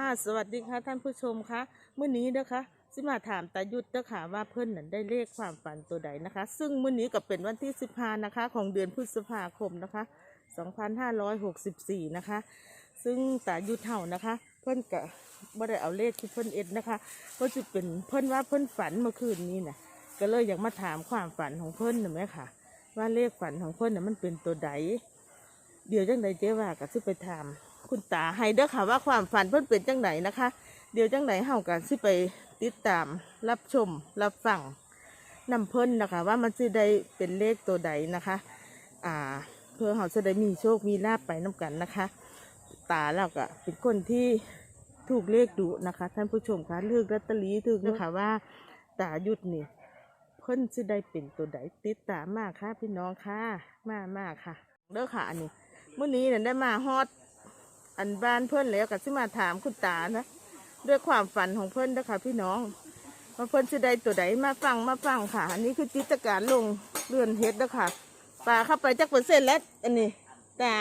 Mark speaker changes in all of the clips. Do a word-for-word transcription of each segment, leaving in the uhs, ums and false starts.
Speaker 1: สวัสดีค่ะท่านผู้ชมคะเมื่อนี้นะคะสิมาถามตายุทธนะคะว่าเพิ่นนั้นได้เลขความฝันตัวใดนะคะซึ่งเมื่อนี้ก็เป็นวันที่สิบห้านะคะของเดือนพฤษภาคมนะคะสองพันห้าร้อยหกสิบสี่นะคะซึ่งตายุทธเฮานะคะเพิ่นก็บ่ได้เอาเลขที่เพิ่นเอ็ดนะคะก็จะเป็นเพิ่นว่าเพิ่นฝันเมื่อคืนนี้นะก็เลยอยากมาถามความฝันของเพิ่นหน่อยไหมค่ะว่าเลขฝันของเพิ่นน่ะมันเป็นตัวใดเดี๋ยวจังใดเจ๊ว่าก็สิไปถามคุณตาให้เด้อค่ะว่าความฝันเพิ่นเป็นจังไหนนะคะเดี๋ยวจังไหนเฮากันสิไปติดตามรับชมรับฟังนำเพิ่นนะคะว่ามันสิได้เป็นเลขตัวใดนะคะอ่าเพื่อเฮาจะได้มีโชคมีลาภไปน้ากันนะคะตาเราก็เป็นคนที่ถูกเลขดุนะคะท่านผู้ชมคะเลือกลอตเตอรี่ถูกนะคะว่าตายุทธนี่เพิ่นสิได้เป็นตัวใดติดตามมากค่ะพี่น้องค่ะมากมากค่ะเด้อค่ะอันนี้เมื่อนี้เนี่ยได้มาฮอดอันบ้านเพื่อนแล้วก็สิมาถามคุณตานะด้วยความฝันของเพื่อนนะคะพี่น้องว่าเพื่อนจะได้ตัวใดมาฟังมาฟังค่ะอันนี้คือจิตการลงเรือนเฮ็ดนะคะปลาเข้าไปจักเปอร์เซ็นต์แล้วอันนี้ตา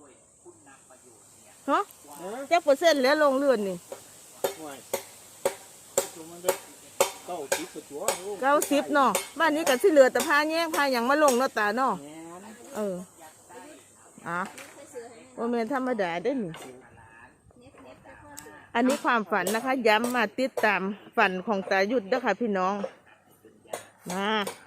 Speaker 1: ฮะจักเปอร์เซ็นต์แล้วลงเรือนนี่เก้าสิบเนาะบ้านนี้ก็สิเหลือแต่ผ้าแยงผ้าอย่างมาลงเนาะตาเนาะเอออ่ะโอเมนธรรมดาได้หนิอันนี้ความฝันนะคะย้ำมาติดตามฝันของตายุทธนะคะพี่น้องมา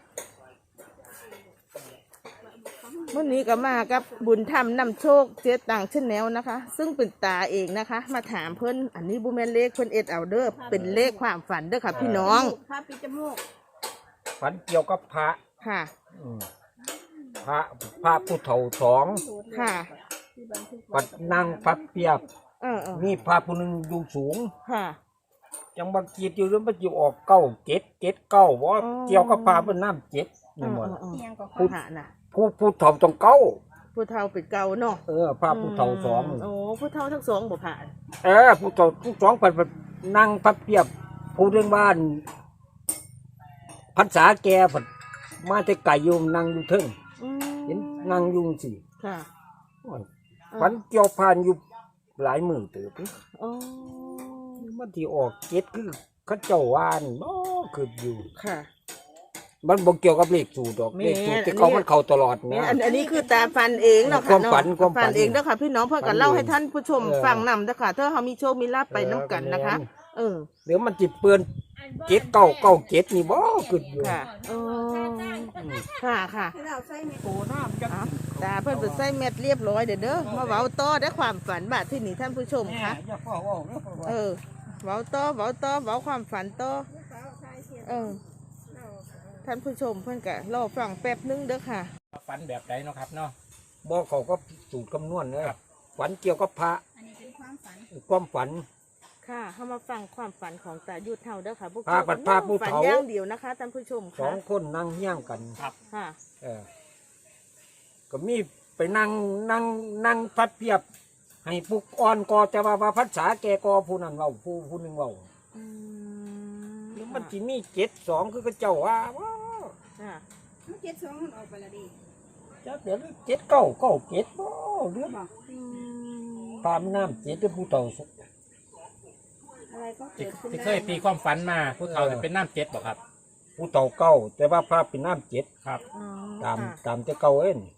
Speaker 1: เมื่อนี้ก็มากับบุญธรรมนำโชคเจ๊ต่างเช่นแนวนะคะซึ่งเป็นตาเองนะคะมาถามเพิ่นอันนี้บุแมนเลขเพิ่นเอ็ดเอาเด้อเป็นเลขความฝันเด้อค่ะพี่น้องพระปิจมูก
Speaker 2: ฝันเกี่ยวกับพระ
Speaker 1: ค่ะ
Speaker 2: พระพระผู้เฒ่าสอง
Speaker 1: ค่ะ
Speaker 2: ปัดนั่งพับเปียบมีพระผู้หนึ่งอยู่สูง
Speaker 1: ค่ะ
Speaker 2: ยังบางกีดอยู่หรือมันอยู่ออกเก้าเจ็ดเจ็ดเก้าว่าเกี่ยวกับพระเป็นน้ำเจ็ดนี่หมด
Speaker 1: ผู้น่ะ
Speaker 2: ผู้ผู้เฒ่าต้องเก้า
Speaker 1: ผู้เฒ่าเป็นเก่าเนาะ
Speaker 2: เออพระผู้เฒ่าสอง
Speaker 1: โอ้ผู้เฒ่าทั้งสองบ่ผ่าน
Speaker 2: เออผู้เฒ่าทั้งสองปัดนั่งพับเปียบผู้เรื่องบ้านพรรษาแก่ผัดมาแต่ไก่โยมนั่งอยู่เทิงเห็นนั่งยุงสิ
Speaker 1: ค่ะ
Speaker 2: ฝันเกี่ยวพานอยู่หลายหมื่นตัวพี่มันที่ออกเก็ดคือข้าเจ้าวานบ่คืออยู่
Speaker 1: ค่ะ
Speaker 2: มันบ่เกี่ยวกับเลขสูตรดอกเลขสูตรที่เขามันเข้าตลอดนะ
Speaker 1: อันนี้คือตาฟันเองเนาะค่ะ
Speaker 2: ความฝันความ
Speaker 1: ฝันเองเด้อค่ะพี่น้องเพื่อกันเล่าให้ท่านผู้ชมฟังนำเด้อค่ะถ้าเขามีโชคมีลาภไปน้ำกันนะคะเออ
Speaker 2: เดี๋ยวมันจิเปื้อนเก็ดเก้าเก้าเก็ดนี่บ่คืออยู่
Speaker 1: ค่ะโอ้ค่ะค่ะตาเพื่อนเป็นไส้เม็ดเรียบร้อยเด้อเด้อมาเว้าต่อได้ความฝันบาดที่นี่ท่านผู้ชมคะเออเว้าต่อเว้าต่อเว้าความฝันต่อเออท่านผู้ชมเพื่อนกะรอฟังแป๊บนึงเด้อค่ะ
Speaker 2: ฝันแบบไหนเนาะครับเนาะบ่เขาก็สูตรคำนวณเนอะฝันเกี่ยวกับพระ
Speaker 3: อันนี้เป็นความฝัน
Speaker 2: ความฝัน
Speaker 1: ค่ะเข้ามาฟังความฝันของตายุทธเท่าเด้อค่ะพวก
Speaker 2: พระปัดพระผู้เฒ่า
Speaker 1: ย่างเดียวนะคะท่านผู้ชม
Speaker 2: สองคนนั่งเฮี้ยงกัน
Speaker 1: ครับค่ะ
Speaker 2: เออก็มีไปนั่งนั่งนั่งพัดเพียบให้ปุกอ่อนกอจะว่าว่าภาษาแกกอผู้นั้นเว้าผู้ผู้หนึ่งเว้าแล้วมันจะมีเจ็ดสองคือก็เจ้าว่าว้า
Speaker 3: เจ็ดสองมันออกไปละดี
Speaker 2: จะเดี๋ยวเจ็ดเก้าเก้าเจ็ดบ่เรื่องตามน้ำเจ็ดด้วยผู้เฒ่า
Speaker 3: อะไรก็เกิดขึ้น
Speaker 4: ที่เคยตีความฝันมาผู้เฒ่าจะเป็นน้ำเจ็ดบ่ครับ
Speaker 2: ผู้เฒ่าเก้าแต่ว่าพระเป็นน้ำเจ็ด
Speaker 4: ครับ
Speaker 2: ตามตามจะเก้าเอ็น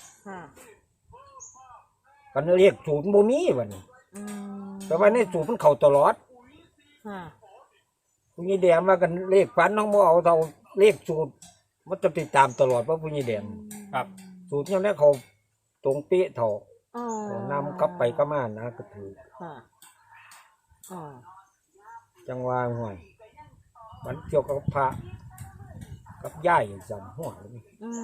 Speaker 2: กันเรียกสูตรโมมีวันแต่ว่าในสูตรมันเข่าตลอดผู้ยี่แดงมากันเลขฝันน้องโมเอาเท่าเลขสูตรมันจะติดตามตลอดเพราะผู้ยี่แดง
Speaker 4: ครับ
Speaker 2: สูตรยังได้เขาตรงเป๊ะเท่านำกลับไปก็มานะก็ถือจังหวะห่วยมันเกี่ยวกับพระกับย่ายจำหัวเลย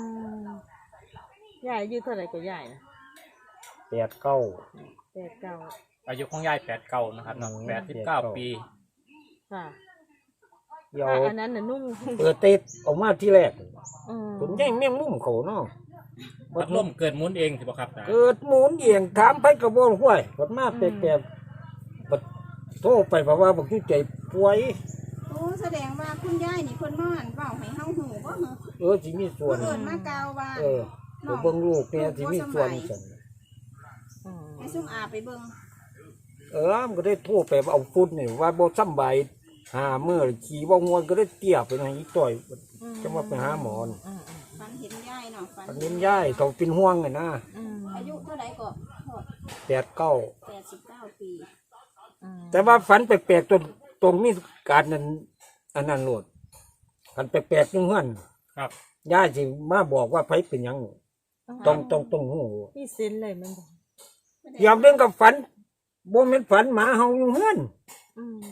Speaker 1: ย่ายอายุเท่าไหร่ก็ย่ายนะ
Speaker 2: แปดเก้า
Speaker 1: แปดเก้า
Speaker 4: อายุของยายแปดเก้านะครับน้องแปดสิบเก้าปี
Speaker 1: ค่ะเดี๋ยวอันนั้นน่ะนุ่ม
Speaker 2: เปิดเตะออกมาที่แรกผมแย่งแม่งมุ่มเขาเนาะ
Speaker 4: พัดลมเกิดหมุนเองสิบ่ครับ
Speaker 2: เกิดหมุนเองถามไปกระบอกห้วยผลมาแปลกๆโทรไปเพราะว่าบอกที่ใจป่วย
Speaker 3: โอ้แสดงว่าคุณยายนี่คนนอนเฝ้าให้เฮาหูบ่เหรอ
Speaker 2: เออสิมีส่วน
Speaker 3: เกิดมากาวว่า
Speaker 2: เออเบิ่งลูกเนี่ยสิมีส่วนจัง
Speaker 3: ให้ซุ่มอาไปเบิ่ง
Speaker 2: เเออมันก็ได้โทรไปเอาฝุ่นนี่ว่าบ่สำบายหาเมื่อขี่บ่งวนก็ได้เตี้ยไปให้อีต่อยจะมาไปหาหมอนี่
Speaker 1: อืม
Speaker 3: ฝันเห็นยายเนาะฝัน
Speaker 2: อันนี้ยายต้องเป็นห่วงไงนะ
Speaker 1: อืม
Speaker 3: อายุเท่าไหร่ก็โทษ
Speaker 2: แปดเก้า
Speaker 3: แปดสิบเก้าปี
Speaker 1: อืม
Speaker 2: แต่ว่าฝันแปลกๆตรงตรงมีการนั้นอันนั้นโลดฝันแปลกๆนึงเฮือน
Speaker 4: ครับ
Speaker 2: ยายสิมาบอกว่าไผเป็นหยังต้องต้องต้องหู
Speaker 1: นี่เส้นเลยมันบอก
Speaker 2: ยามเรื่องกับฝันบ่แม่นฝันหมาเฮาอยู่เฮือน
Speaker 1: อืม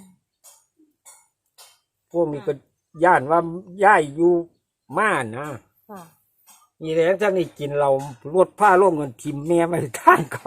Speaker 2: พวกนี้ก็ย่านว่าย้ายอยู่ม่านนะ
Speaker 1: ค่ะ
Speaker 2: นี่แหละถ้านี่กินเราลวดผ้าล่มกันทิมแม่ไม่ท่านเขา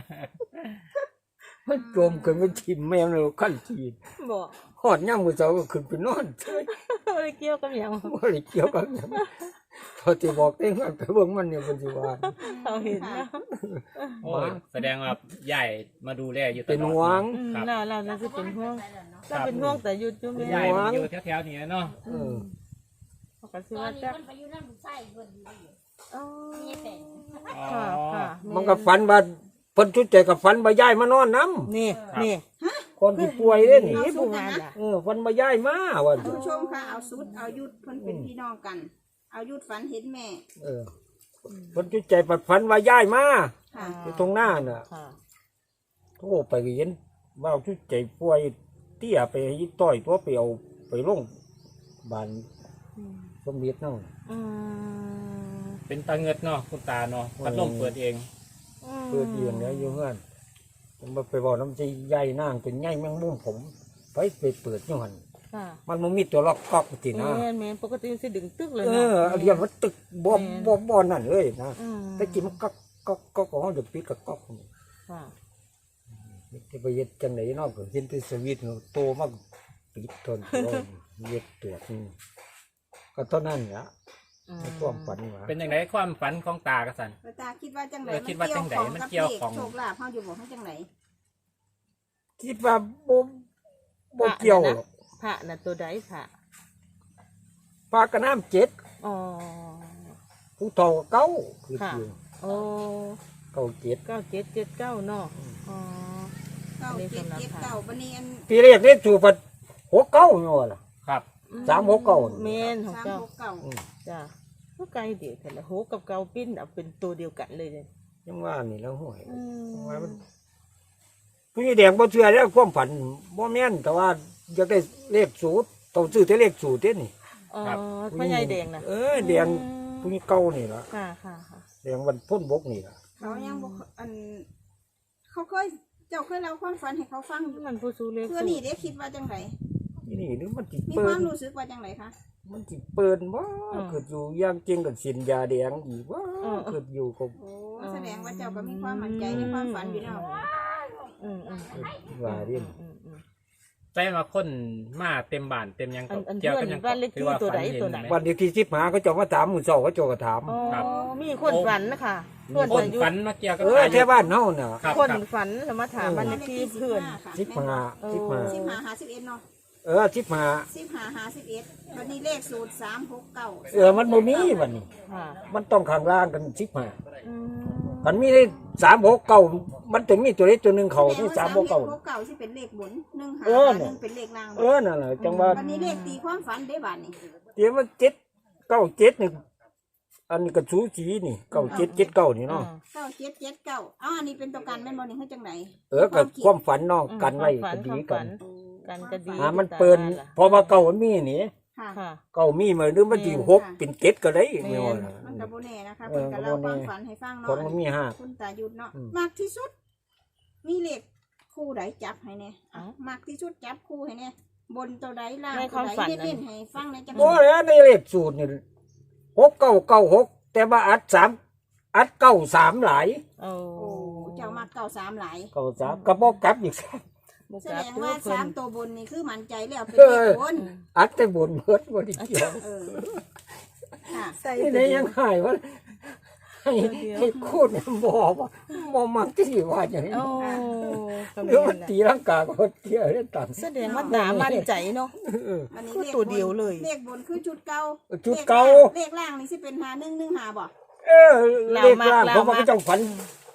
Speaker 2: มันจมกันมันทิมแม่เลยขั้นทีน
Speaker 1: บอก
Speaker 2: หอดย่ำมือเจ้าก็ขึ้นไปนอน
Speaker 1: อะไรเกี่ยวกับหยัง
Speaker 2: ว่าอะไรเกี่ยวกันหยังพอที่บอกเองมันไปเบิ่งมันเนี่ยเป็นสิว่า
Speaker 1: เราเห็นนะ
Speaker 4: โอ้ยแสดงว่าใหญ่มาดูแลอยู่ตลอด
Speaker 2: เป็นห่วง
Speaker 1: อืม
Speaker 4: ครับ
Speaker 1: เราเราเราจะเป็นห่วงเราเป็นห่วงแต่หยุดอยู่
Speaker 4: คุณ
Speaker 1: แม่
Speaker 4: ยายมันอยู่แถวๆนี้เนาะ
Speaker 2: เออ
Speaker 1: เขาก็สิ
Speaker 5: ตอ
Speaker 1: ว่าน
Speaker 5: นี้
Speaker 1: จัก
Speaker 5: มันไปอยู่นั่นลูกไส้เพิ่นอยู่
Speaker 1: อ๋อ
Speaker 5: นี่แต่ง
Speaker 4: อ๋อ
Speaker 1: ค่ะค่ะ
Speaker 2: มันก็ฝันว่าเพิ่นชุดใจกับฝันว่าย้ายมานอนน้
Speaker 1: นี่นี่
Speaker 2: ำคนที่ป่วยเด้นี่
Speaker 1: นี่ผู้งานล่ะ
Speaker 2: เออฝันว่าย้ายมาว่า
Speaker 3: ท่านผู้ชมค่ะเอาสุดเอายุดเพิ่นเป็นพี่น้องกัน เอายุดฝันเห็นแม่
Speaker 2: เออเพิ่นชุดใจปัดฝันว่าย้ายมา
Speaker 3: ค่ะ
Speaker 2: อยู่ตรงหน้าน่ะ
Speaker 1: ค่ะ
Speaker 2: โทรไปก็เห็นว่าชุดใจป่วยเตี้ยไปให้ต่อยตัวไปเอาไปลงบ้าน
Speaker 1: อืม
Speaker 2: สมเด็จนั่น
Speaker 1: อืม
Speaker 4: เป็นตาเงิดเนาะคุณตาเนาะพัดลมเปิดเอง
Speaker 2: เปิดเอียงเนี่ยอยู่เงื่อนผมไปบอกน้ำใจใหญ่นางเป็นใหญ่แมงมุมผมไปไปเปิดอยู่หัน
Speaker 1: ค่ะ
Speaker 2: มันมันมีตัวล็อกก๊อกตินะ
Speaker 1: แม่นแม่นปกติมันสิดึงตึกเลย
Speaker 2: เอ
Speaker 1: เนาะ
Speaker 2: อเรียนว่าตึกบ่บ่บ่นั่นเลยนะ
Speaker 1: อืม
Speaker 2: แต่กินมันก๊อกก๊อกก๊อกของเขาจะปิดกับก๊อก
Speaker 1: ค่ะ
Speaker 2: ที่ไปเย็ดจังไหนนอกก็เห็นที่สวิตโตมากปิดทนเย็ดตัวนี่ก็เท่านั้นแหละ
Speaker 1: อืม
Speaker 2: ในความฝันว่า
Speaker 4: เป็นยังไงความฝันของตากระสัน
Speaker 3: แล้วตาคิดว่าจังไหน
Speaker 4: เออคิดว่าจังใดมันเกี่ยวของ
Speaker 3: โชคลาภเฮาอยู่บ่ให้จังไหน
Speaker 2: คิดว่าบ่บ่เกี่ยวหรอก
Speaker 1: พระน่ะตัวใดพระ
Speaker 2: ปลากระน้ำเจ็ด
Speaker 1: อ๋อ
Speaker 2: ผู้เฒ่าเก้าคือ
Speaker 1: ค่ะ
Speaker 2: เกี่ยว
Speaker 1: โอ้
Speaker 2: เก้าเจ็ด
Speaker 1: เก้าเจ็ดเจ็ดเก้าเนาะอ๋อ
Speaker 3: เก้าเจ็ดเจ็ดเก้าบัดนี้อัน
Speaker 2: ปีแรกนี่สู่พัดหกเก้าอยู่ล่ะ
Speaker 4: ครับ
Speaker 2: สามหกเก้า
Speaker 1: เมนของ
Speaker 3: สาม
Speaker 1: เจ้า
Speaker 3: หกเก้า
Speaker 1: จ้าก็ไกลเดียวกันละโหกับเกาปิ้นเอาเป็นตัวเดียวกันเลยเลย
Speaker 2: ยังว่านี่แล้วห่วย
Speaker 1: อืม
Speaker 2: ว่ามันผู้ใหญ่แดงบ่เชื่อแล้วความฝันบ่แม่นแต่ว่าอยากได้เลขสูตรต้องซื้อแต่เลขสูตรเด้นี่
Speaker 1: อ๋อพ่อใหญ่แดงนะ
Speaker 2: เออแดงผู้ใหญ่เก่านี่ล่ะ
Speaker 1: ค่ะค่ะค่ะ
Speaker 2: แดงวันพ้นบกนี่ล่ะ
Speaker 3: เขายังบ่อัน เขาเคยเจ้าเคยเล่าความฝันให้เขาฟังอยู่
Speaker 1: มันผู้สูเล็ก
Speaker 3: เพื่อนี่ได้คิดว่าจังไหน
Speaker 2: นี่นี่หรือมันสิ
Speaker 3: มี
Speaker 2: เปิ
Speaker 3: ค
Speaker 2: ด
Speaker 3: วามรู้สึกว่าจังไหนคะ
Speaker 2: มันสิเปิดบ่เกิดอยู่อย่างจริงกับสินยาแดงอีกว่าเกิดอยู่กับ
Speaker 3: โอ้แสดงว่าเจ้าก็มีความมั่นใจในความฝันอยู่แล้ว
Speaker 1: อืมอืมอืม
Speaker 2: ว่าเรียน
Speaker 1: อืมอืม
Speaker 4: ใจมาคนมาเต็มบ้านเต็มหยัง
Speaker 1: อันอัน
Speaker 4: เกี่ยวกับหยัง
Speaker 1: บ้านเลขที่ตัวใดตัวไหน
Speaker 2: วันเดียวที่สิบหาเขาเจะมาถามมื้อเช้าเขาเจ้าก็ถาม
Speaker 1: อ๋อมีคนฝันนะคะเพื่อน
Speaker 4: คน
Speaker 1: อายุ
Speaker 4: ฝันมาเกี่ยวกับ
Speaker 2: เออแค่บ้านเฮาน่ะ
Speaker 4: ครับ
Speaker 1: คน
Speaker 4: ครับ
Speaker 1: ฝันแล้วมาถามบ้านเลขที่เพื่อน
Speaker 2: สิบห้าสิบห้า
Speaker 3: สิบห้าหาสิบเอ็ดเนาะ
Speaker 2: เออสิบห้า
Speaker 3: สิบห้าหาสิบเอ็ดวันนี้เลขสูตรสามหกเก้า
Speaker 2: เออมันบ่มีบัดนี้
Speaker 1: ค่ะ
Speaker 2: มันต้องข้างล่างกันสิบห้า
Speaker 1: อืม
Speaker 2: มันมีได้สามหกเก้ามันถึงมีตัวเล็กตัวหนึ่งเขาที่สามหกเก้า
Speaker 3: หกเก้าที่เป็นเลขบนหนึ่งหา
Speaker 2: เออ
Speaker 3: ห
Speaker 2: เนี่ย
Speaker 3: นึ่งเป็นเลขล่าง
Speaker 2: เออนั่นแหละจังว่า
Speaker 3: วันนี้เลขตีความฝันได้บาทนี่
Speaker 2: เดี๋ยวมันเจ็ดเก้าเจ็ดนี่อันนี้ก็สูสีนี่เก้าเจ็ดเจ็ดเก้านี่เนาะ
Speaker 3: เก้าเจ็ดเจ็ดเก้าอ้าวอันนี้เป็นตัวการแม่นบอลนี่ให้จังไหน
Speaker 2: เออกับความฝันเนาะ
Speaker 1: อืม
Speaker 2: กันไว้
Speaker 1: ความฝั
Speaker 2: ก็
Speaker 1: น
Speaker 2: ดี
Speaker 1: ความ
Speaker 2: กั
Speaker 1: ฝั
Speaker 2: น
Speaker 1: น กันก็ดี
Speaker 2: อ่ามันเปินพอมาเก้ามันมีนี่
Speaker 3: ค่ะ
Speaker 1: ค่ะ
Speaker 2: เก้ามีมาหรือมันสิหกเป็นเจ็ดก็ได้ไม่ว่านะ
Speaker 3: มันกับโบเน่นะคะ
Speaker 2: เอ
Speaker 3: เพิ่
Speaker 2: อน
Speaker 3: กับ
Speaker 2: ก็
Speaker 3: เล่า
Speaker 2: บ่
Speaker 3: ค
Speaker 2: แน่
Speaker 3: วามฝันให้ฟัง
Speaker 2: คน
Speaker 3: เนาะ
Speaker 2: มันมีห้า
Speaker 3: คุณตาหยุดเนาะ
Speaker 2: อืม
Speaker 3: มากที่สุด มีเลขคู่ใดจับให้เนี่ย
Speaker 1: เอ้า
Speaker 3: มากที่สุดจับคู่ให้เนี่ยบนตัวใดล่าง
Speaker 1: ในค
Speaker 3: ตัว
Speaker 1: วาม
Speaker 3: ใด
Speaker 1: ฝัน
Speaker 3: เน้นๆให้ฟังในจังห
Speaker 2: บ่
Speaker 3: วะ
Speaker 2: แล้วในเลขสูตรนี่หกเก้าเก้าหกแต่ว่าอัดสามอัดเก้าสามหลาย
Speaker 1: โอ้
Speaker 3: โอ้เจ้ามากเก้าสามหลาย
Speaker 2: เก้าสามก็บอกกลับอีก
Speaker 1: บุก
Speaker 3: แส
Speaker 1: กลั
Speaker 3: ด
Speaker 1: บ
Speaker 3: ง
Speaker 1: ตัว
Speaker 3: ว่า
Speaker 1: เพิ่
Speaker 3: สาน มตัวบนนี่คือมั่นใจแล้วเป็น
Speaker 2: เอ
Speaker 3: เล
Speaker 2: อ
Speaker 3: ขบน
Speaker 2: อัดแต่บนเบิดบ่ได้เกี่ยว
Speaker 3: เออค่ะ
Speaker 2: นี่ได้ยังหายวะให้ให้คูดเนี่ยบอกว่าบ่มักที่สิว่าอย่างนี้
Speaker 1: โอ้ก็
Speaker 2: ห
Speaker 1: มี
Speaker 2: รือว่า
Speaker 1: นั่นแหละ
Speaker 2: ตีร่างกายก็เที่ยวได้ต่าง
Speaker 1: แสดงว่าตามั่นใจเนาะ
Speaker 2: เออ
Speaker 3: วันนี้
Speaker 1: คือ
Speaker 3: เลข
Speaker 1: ตัว
Speaker 3: บน
Speaker 1: เดียวเลย
Speaker 3: เลขบนคือชุดเก่า
Speaker 2: ชุดเก่า
Speaker 3: เลขล่างนี่สิเป็นหาหนึ่งหนึ่งหาบ่
Speaker 2: เออเลขล่างเพราะว่าเขาเจ้าฝัน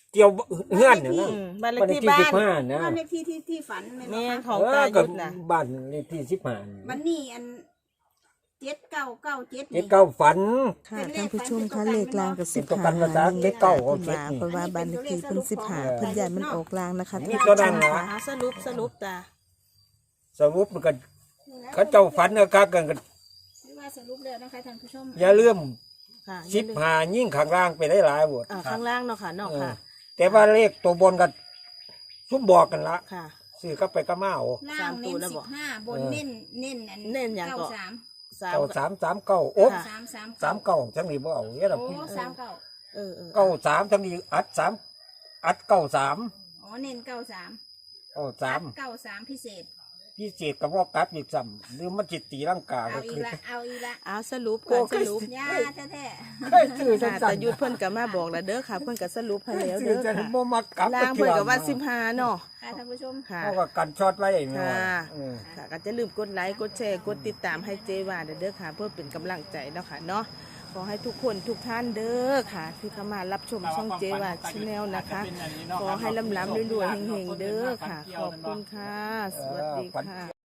Speaker 2: เกี่ยวเฮือนเนี่ยนะ
Speaker 1: อืมบ้านเลข
Speaker 2: บ้านเลข
Speaker 1: ที่
Speaker 2: ที่
Speaker 1: บ้า
Speaker 2: สิ
Speaker 1: น
Speaker 2: บห้านะ
Speaker 3: บ้านเลขที่ที่ที่ฝันแม่น
Speaker 1: แม่
Speaker 3: บ่
Speaker 1: น
Speaker 3: คะ
Speaker 1: ของ
Speaker 2: เอ
Speaker 1: ตา
Speaker 2: อกั
Speaker 1: ยุ
Speaker 2: บ
Speaker 1: ดนะ
Speaker 2: บ้านเลขที่สิบห้า
Speaker 3: วันนี้อันเจ็ดเก้าเก้าเจ็ด
Speaker 2: เจ็ดเก้าฝัน
Speaker 1: ค่ะท่านผู้ชมคะเลขลางกับสิบ
Speaker 2: เป็นตัวกั
Speaker 1: หาน
Speaker 2: ภาษาเลขเก้า
Speaker 1: เพิ่น
Speaker 2: เจ็ด
Speaker 1: ว่า
Speaker 2: นี่
Speaker 1: เพราะว่าบ้านเลขที่เพิ่นสิบหาเพิ่นย้ายมันออกลางนะคะ
Speaker 2: นี่
Speaker 1: ท่าน
Speaker 2: ตัว
Speaker 1: ผู้ช
Speaker 2: นั้น
Speaker 1: ม
Speaker 2: เหรอ
Speaker 1: ค่ะสรุปสรุปตา
Speaker 2: สรุปมันก็เขาเจ้าฝันนะครับกันก็
Speaker 3: หรือว่าสรุปแล้วนะคะท่านผู้ชม
Speaker 2: อย่าลืม
Speaker 1: ค่ะ
Speaker 2: สิบหายิ่งข้างล่างไปได้หลายบท
Speaker 1: อ่าข้างล่างเนาะค่ะเนาะค่ะ
Speaker 2: แต่ว่าเลขตัวบนกันซุ้มบอกกันละ
Speaker 1: ค่ะ
Speaker 2: ซื้อก็ไปก็มาเอา
Speaker 3: ล่างเน้น
Speaker 1: สามตัวแล้ว
Speaker 3: สิ
Speaker 1: บอก
Speaker 3: บห้าบนเน้นเน้นอัน
Speaker 1: เน้นอย่าง
Speaker 3: เก้า
Speaker 1: ก่อน
Speaker 3: สาม
Speaker 1: สาม
Speaker 2: เก้าสามสามเก้าโอ๊บ
Speaker 1: ค่ะ
Speaker 3: สามสาม
Speaker 2: สามเก้าจังนี้บ่เอาเนี่ย
Speaker 3: โอ้
Speaker 2: เรา
Speaker 3: สามเก้า
Speaker 1: เออเออ
Speaker 2: เก้าสามจังนี้อัดสามอัดเก้าสาม
Speaker 3: อ๋อเน้นเก้าสาม
Speaker 2: เก้าสาม
Speaker 3: เก้าสามพิเศษ
Speaker 2: พี่เศษกับว่ากลับอีกซ้ำหรือมันจิตตีร่างกาย
Speaker 3: เอา
Speaker 2: ก็
Speaker 3: อี
Speaker 2: คื
Speaker 3: ก
Speaker 2: อ
Speaker 3: ละเอาอีกละ
Speaker 1: เอาสรุปก่อนสรุป
Speaker 3: ยาแท้
Speaker 2: เคยซื้อจั
Speaker 1: ค่ะ
Speaker 2: งสั
Speaker 1: แต่
Speaker 2: น
Speaker 1: ยุดเพิ่นก็มาบอกแล้วเด้อค่ะ เพิ่นก็สรุปให้แล้ว
Speaker 2: ซื้
Speaker 1: เด้
Speaker 2: อ
Speaker 1: อ
Speaker 2: จะ
Speaker 1: ค่ะ
Speaker 2: บ่มากลับ
Speaker 1: ล่างเพิ่นก็ว่าสิบห้าเนาะ
Speaker 3: ๆค่ะท่านผู้ชม
Speaker 1: ค่ะ
Speaker 2: เพราะว่ากันช็อตไว้เนาะ
Speaker 1: ค่ะ
Speaker 2: เออ
Speaker 1: ค่ะก็จะลืมกดไลค์กดแชร์กดติดตามให้เจว่าเด้อค่ะ เพื่อเป็นกำลังใจเนาะค่ะเนาะขอให้ทุกคนทุกท่านเด้อค่ะ ที่เข้ามารับชมช่องเจว่าชาแนลนะคะ ขอให้ลำล้ำรวยๆเฮงๆเด้อค่ะ ขอบคุณค่ะ สวัสดีค่ะ